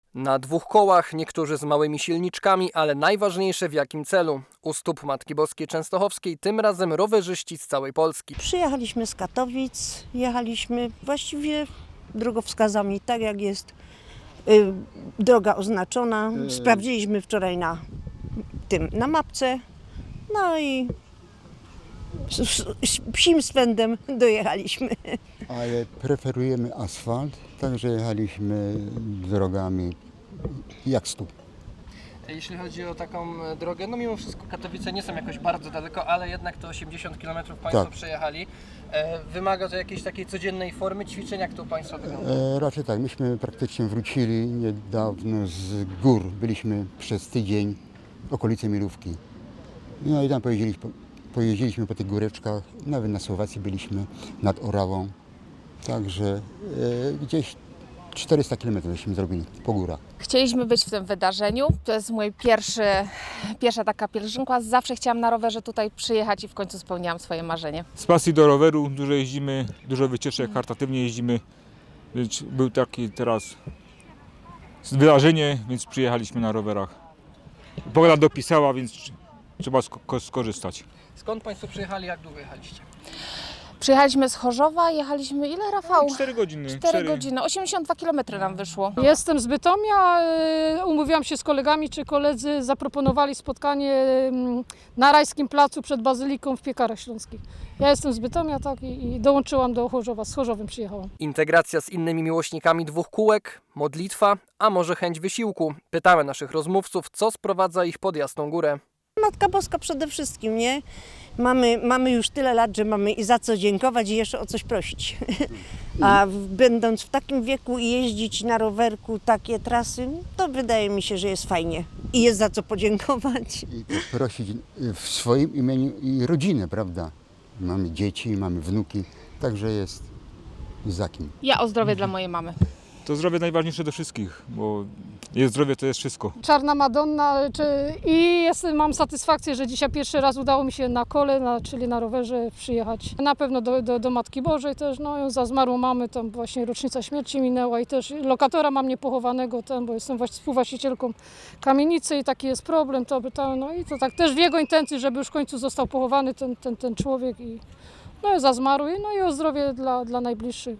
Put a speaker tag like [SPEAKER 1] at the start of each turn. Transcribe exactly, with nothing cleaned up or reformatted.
[SPEAKER 1] Na dwóch kołach, niektórzy z małymi silniczkami, ale najważniejsze w jakim celu. U stóp Matki Boskiej Częstochowskiej tym razem rowerzyści z całej Polski.
[SPEAKER 2] Przyjechaliśmy z Katowic, jechaliśmy właściwie drogowskazami, tak jak jest y, droga oznaczona. Sprawdziliśmy wczoraj na tym, na mapce, no i z, z, z psim swędem dojechaliśmy.
[SPEAKER 3] Ale preferujemy asfalt, także jechaliśmy drogami jak stóp.
[SPEAKER 1] Jeśli chodzi o taką drogę, no mimo wszystko Katowice nie są jakoś bardzo daleko, ale jednak to osiemdziesiąt kilometrów Państwo
[SPEAKER 3] Tak.
[SPEAKER 1] przejechali. E, wymaga to jakiejś takiej codziennej formy ćwiczeń, jak to u Państwa wygląda?
[SPEAKER 3] E, raczej tak, myśmy praktycznie wrócili niedawno z gór. Byliśmy przez tydzień w okolicy Milówki. No i tam pojeździliśmy, pojeździliśmy po tych góreczkach, nawet na Słowacji byliśmy nad Orawą. Także e, gdzieś czterysta kilometrów żeśmy zrobili po górach.
[SPEAKER 4] Chcieliśmy być w tym wydarzeniu. To jest mój pierwszy, pierwsza taka pielgrzymka. Zawsze chciałam na rowerze tutaj przyjechać i w końcu spełniłam swoje marzenie.
[SPEAKER 5] Z pasji do roweru dużo jeździmy, dużo wycieczek, charytatywnie jeździmy. Więc był taki teraz wydarzenie, więc przyjechaliśmy na rowerach. Pogoda dopisała, więc trzeba sk- skorzystać.
[SPEAKER 1] Skąd Państwo przyjechali, jak długo jechaliście?
[SPEAKER 4] Przyjechaliśmy z Chorzowa, jechaliśmy ile, Rafał?
[SPEAKER 5] cztery godziny.
[SPEAKER 4] cztery godziny, osiemdziesiąt dwa kilometry nam wyszło.
[SPEAKER 6] Jestem z Bytomia, y, umówiłam się z kolegami, czy koledzy zaproponowali spotkanie mm, na Rajskim Placu przed Bazyliką w Piekarach Śląskich. Ja jestem z Bytomia, tak, i, i dołączyłam do Chorzowa, z Chorzowem przyjechałam.
[SPEAKER 1] Integracja z innymi miłośnikami dwóch kółek, modlitwa, a może chęć wysiłku? Pytamy naszych rozmówców, co sprowadza ich pod Jasną Górę.
[SPEAKER 2] Matka Boska przede wszystkim, nie? Mamy, mamy już tyle lat, że mamy i za co dziękować i jeszcze o coś prosić. A w, będąc w takim wieku i jeździć na rowerku takie trasy, to wydaje mi się, że jest fajnie i jest za co podziękować.
[SPEAKER 3] I prosić w swoim imieniu i rodzinę, prawda? Mamy dzieci, mamy wnuki, także jest za kim.
[SPEAKER 4] Ja o zdrowie dla mojej mamy.
[SPEAKER 5] To zdrowie najważniejsze do wszystkich, bo jest zdrowie, to jest wszystko.
[SPEAKER 6] Czarna Madonna czy, i jestem, mam satysfakcję, że dzisiaj pierwszy raz udało mi się na kole, na, czyli na rowerze przyjechać. Na pewno do, do, do Matki Bożej też, no za zmarłą mamy, tam właśnie rocznica śmierci minęła i też lokatora mam niepochowanego tam, bo jestem właś- współwłaścicielką kamienicy i taki jest problem, to, to, no i to tak też w jego intencji, żeby już w końcu został pochowany ten, ten, ten człowiek i no za zmarły, no i o zdrowie dla, dla najbliższych.